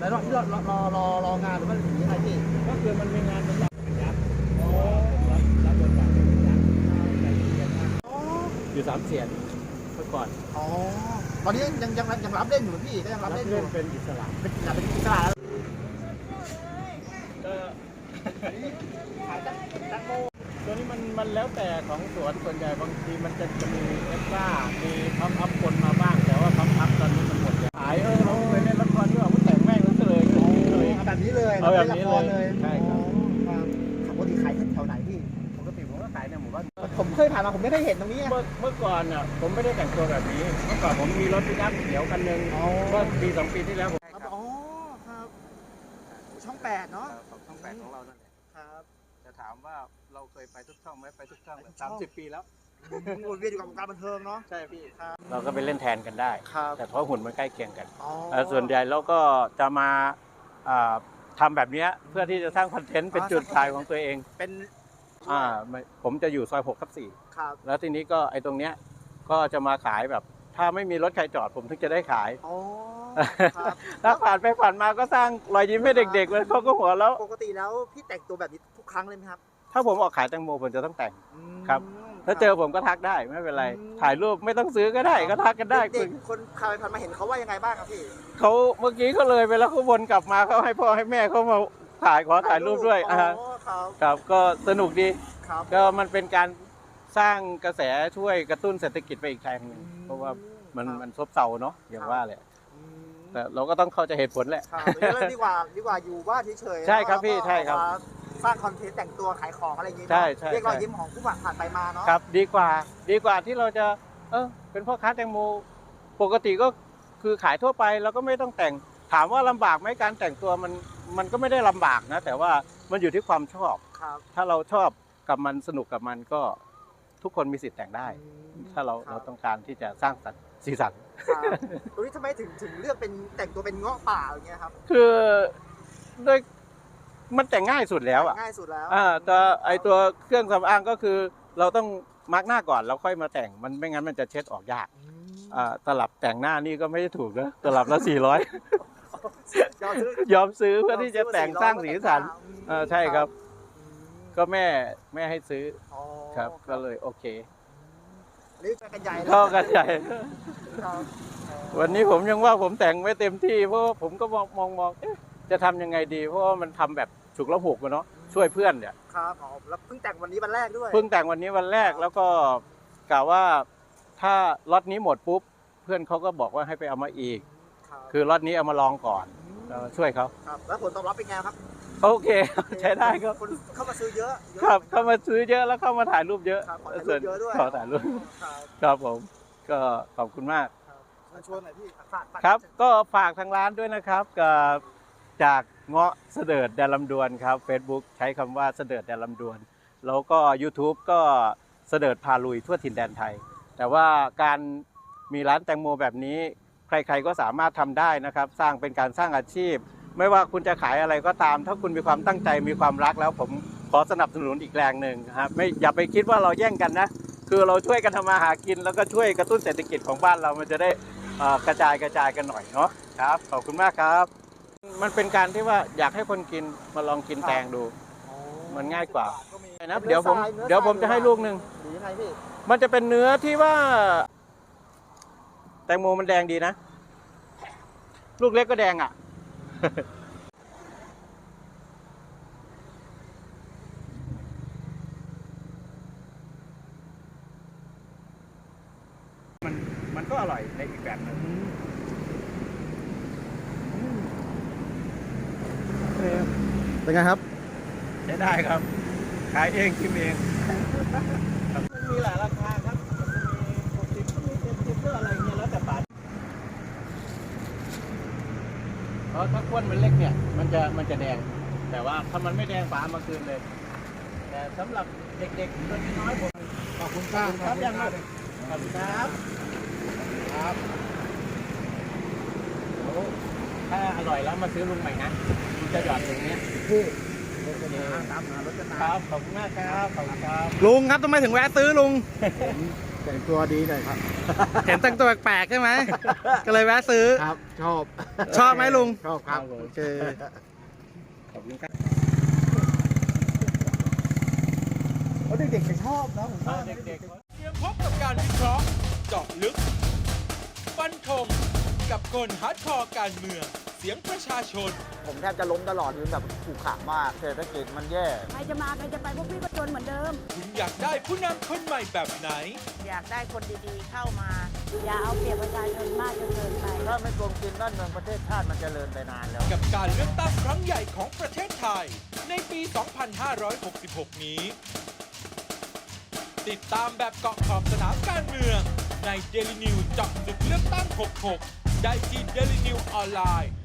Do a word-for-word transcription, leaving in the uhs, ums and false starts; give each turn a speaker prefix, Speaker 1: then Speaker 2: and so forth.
Speaker 1: แล้วรอที่รอรอรอรองานหรือว่าอย่างนี้ไงพี่
Speaker 2: ก็คือมันมีงานเป็นรับเป็นยักษ์อ๋อรับรับบทบาทเป็นยักษ์ใจเย็นมากอยู่สามเสียนเมื่อก่อน
Speaker 1: อ๋อตอนนี้ยังยังยังยังรับเล่นอยู่พี่ก็ยังรับเล่นอยู่
Speaker 2: เป็นอิสระ
Speaker 1: เป็นอยากเป็นอิสระแล้ว
Speaker 2: ก็ขายตั้งตั้งโมตัวนี้มันมันแล้วแต่ของสวนส่วนใหญ่บางทีมันจะจะมีเอ็กซ์ตร้ามีพับอัพคนมาบ้างแต่ว่าพับอัพตอนนี้มันหมดขายเออเราเคยเล่นละครด้วยว่าแต่งแม่งแล้วเลยเลย
Speaker 1: แบบนี้เลย
Speaker 2: เอาแบบนี้เลย
Speaker 1: ใช่ครับปกติขายแถวไหนพี่
Speaker 2: ปกติผมก็ขายในหมู่บ้าน
Speaker 1: ผมเคยผ่านมาผมไม่เคยเห็นตรงนี้
Speaker 2: เมื่อเมื่อก่อนอ่ะผมไม่ได้แต่งตัวแบบนี้เมื่อก่อนผมมีรถปิกอัพเขียวคันหนึ่งเมื่อปีสองปีที่แล้วผม
Speaker 1: อ๋อครับช่องแปดเนาะ
Speaker 2: ช่องแปดของเรานั่นแหละ
Speaker 1: ครับ
Speaker 2: จะถามว่าเราเคยไปทุกช่องไหมไปทุกช่องสามสิบปีแล้ว
Speaker 1: วนเวียนอยู่กับวงการบันเทิงเนาะ
Speaker 2: ใช่พี่เราก็ไปเล่นแทนกันได้แต่เพราะหุ่นมันใกล้เคียงกันส่วนใหญ่เราก็จะมาทำแบบนี้เพื่อที่จะสร้างคอนเทนต์เป็นจุดขายของตัวเอง
Speaker 1: เป็น
Speaker 2: อ่าผมจะอยู่ซอยหกทับสี่แล้วทีนี้ก็ไอ้ตรงเนี้ยก็จะมาขายแบบถ้าไม่มีรถใครจอดผมถึงจะได้ขายถ้าผ่านไปผ่านมาก็สร้างรอยยิ้มให้เด็กๆเลยเขาก็หัวแล้ว
Speaker 1: ปกติแล้วพี่แต่งตัวแบบนี้ทุกครั้งเลยไหมครับ
Speaker 2: ถ้าผมออกขายแตงโมผมจะต้องแต่งครับถ้าเจอผมก็ทักได้ไม่เป็นไรถ่ายรูปไม่ต้องซื้อก็ได้ก็ทักกันได้
Speaker 1: เด็กคนผ่านไปผ่านมาเห็นเขาว่ายังไงบ้างครับพี่
Speaker 2: เขาเมื่อกี้เขาเลยไปแล้วเขาวนกลับมาเขาให้พ่อให้แม่เขามาถ่ายขอถ่ายรูปด้วยอ่าครับก็สนุกดีก็มันเป็นการสร้างกระแสช่วยกระตุ้นเศรษฐกิจไปอีกทางนึงเพราะว่ามันมันซบเซาเนาะอย่างว่าแหละแต่เราก็ต้องเข้าใจเหตุผลแหละ
Speaker 1: ดีกว่าดีกว่าอยู่บ้านเฉยๆ
Speaker 2: ใช่ครับพี่ใช่ครับ
Speaker 1: สร้างคอนเทนต์แต่งตัวขายของอะไรอย่างเงี้ย
Speaker 2: ใช่ใช่
Speaker 1: เรียกรอยยิ้มของผู้ผ่านไปมาเนาะ
Speaker 2: ครับดีกว่าดีกว่าที่เราจะเออเป็นพ่อค้าแตงโมปกติก็คือขายทั่วไปเราก็ไม่ต้องแต่งถามว่าลำบากไหมการแต่งตัวมันมันก็ไม่ได้ลำบากนะแต่ว่ามันอยู่ที่ความชอบถ้าเราชอบกับมันสนุกกับมันก็ทุกคนมีสิทธิ์แต่งได้ถ้าเราเราต้องการที่จะสร้างสรรค์สีสัน
Speaker 1: ตรงนี้ทำไมถึงถึงเลือกเป็นแต่งตัวเป็นเงาะป่าอย่างเงี้ยครับ
Speaker 2: คือด้วยมันแต่งง่ายสุดแล้วอ่ะ
Speaker 1: ง่ายสุดแล้ว
Speaker 2: อ่าแต่ไอตัวเครื่องสำอางก็คือเราต้องมาร์กหน้าก่อนแล้วค่อยมาแต่งมันไม่งั้นมันจะเช็ดออกยากอ่าตลับแต่งหน้านี่ก็ไม่ได้ถูกนะตลับละสี่ร้อยยอมซื้อเพื่อที่จะแต่งสร้างสีสันอ่าใช่ครับก็แม่แม่ให้ซื้อครับก็เลยโอเค
Speaker 1: นี่จะกันใหญ่
Speaker 2: เข้ากันใหญ่วันนี้ผมยังว่าผมแต่งไม่เต็มที่เพราะผมก็มองมองมองจะทำยังไงดีเพราะว่ามันทำแบบฉุกละหุกมาเนาะช่วยเพื่อนเนี่ย
Speaker 1: ครับแล้วเพิ่งแต่งวันนี้วันแรกด้วย
Speaker 2: เพิ่งแต่งวันนี้วันแรกแล้วก็กล่าวว่าถ้าล็อตนี้หมดปุ๊บเพื่อนเขาก็บอกว่าให้ไปเอามาอีกคือล็อตนี้เอามาลองก่อนช่วยเขา
Speaker 1: ครับแล้วผลตอบรับเป็นไงครับ
Speaker 2: โอเคใช้ได้ครับ
Speaker 1: คนเข้ามาซื้อเยอะ
Speaker 2: ครับเข้ามาซื้อเยอะแล้วเข้ามาถ่ายรูปเยอะ
Speaker 1: ส่วนเยอะด้วย
Speaker 2: ขอถ่ายรูปครับผมก็ขอบคุณมาก
Speaker 1: ชวนหน่อยพี่
Speaker 2: ครับก็ฝากทางร้านด้วยนะครับกับจากเงาะเสดิร์ดแดนลำดวนครับ Facebook ใช้คำว่าเสดิร์ดแดนลำดวนแล้วก็ YouTube ก็เสดิร์ดพาลุยทั่วถิ่นแดนไทยแต่ว่าการมีร้านแตงโมแบบนี้ใครๆก็สามารถทำได้นะครับสร้างเป็นการสร้างอาชีพไม่ว่าคุณจะขายอะไรก็ตามถ้าคุณมีความตั้งใจมีความรักแล้วผมขอสนับสนุนอีกแรงหนึ่งครับไม่อย่าไปคิดว่าเราแย่งกันนะคือเราช่วยกันทำมาหากินแล้วก็ช่วยกระตุ้นเศรษฐกิจของบ้านเรามันจะได้กระจายกระจายกันหน่อยเนาะครับขอบคุณมากครับมันเป็นการที่ว่าอยากให้คนกินมาลองกินแตงดูมันง่ายกว่านะเดี๋ยวผมเดี๋ยวผมจะให้ลูกหนึ่งมันจะเป็นเนื้อที่ว่าแตงโมมันแดงดีนะลูกเล็กก็แดงอ่ะมันมันก็อร่อยในอีกแบบนึง
Speaker 1: เป็นไงครับ
Speaker 2: ใช้ได้ครับขายเองกินเองมันมีหลายราคาครับมีหกสิบมีเจ็ดสิบเพื่ออะไรเงี้ยแล้วแต่ปาดเพราะถ้าก้วนมันเล็กเนี่ยมันจะมันจะแดงแต่ว่าถ้ามันไม่แดงฝามาคืนเลยแต่สำหรับเด็กๆตัวน้อยผม
Speaker 1: ขอบคุณครับ
Speaker 2: ครับยังไงขอบคุณครับครับถ้าอร่อยแล้วมาซื้อลุงใหม่นะจะหยอดตรงนี้
Speaker 1: พี่
Speaker 2: ตามหารถจะตามครับขอบคุณมากครับขอบคุณครับ
Speaker 1: ลุงครับทำไมถึงแวะซื้อลุงแต่งตัวดีหน่อยครับ
Speaker 3: เห็นแต่งตัวแปลกๆใช่ไหม ก็เลยแวะซื้อ
Speaker 1: ครับ ชอบ
Speaker 3: ชอบไหมลุง
Speaker 1: ชอบครับ
Speaker 3: โอเค
Speaker 2: ขอบคุณครับ
Speaker 1: เด็กๆจะชอบนะผมว่า
Speaker 2: เด็กๆ
Speaker 4: เตรียมพบกับการวิเคราะห์เจาะลึก ฟันธงกับคนฮาร์ดคอร์การเมือง เสียงประชาชน
Speaker 5: ผมแทบจะล้มตลอดยืนแบบขู่ขามากเศรษฐกิจมันแย่
Speaker 6: ใครจะมาใครจะไปพวกพี่ก็จนเหมือนเดิม
Speaker 4: คุณอยากได้ผู้นำคนใหม่แบบไหน
Speaker 6: อยากได้คนดีๆเข้ามา อย่าเอาเปรียบประชาชนมากจนเกินไป
Speaker 5: ถ้าไม่โกงกินบ้านเมืองประเทศชาติมันจเจริญไปนานแล้ว
Speaker 4: กับการเลือกตั้งครั้งใหญ่ของประเทศไทย ในปี สองพันห้าร้อยหกสิบหก นี้ ติดตามแบบเกาะขอบสนามการเมืองใน Daily News เจาะลึกเลือกตั้ง หกหก ได้ที่ Daily News ออนไลน์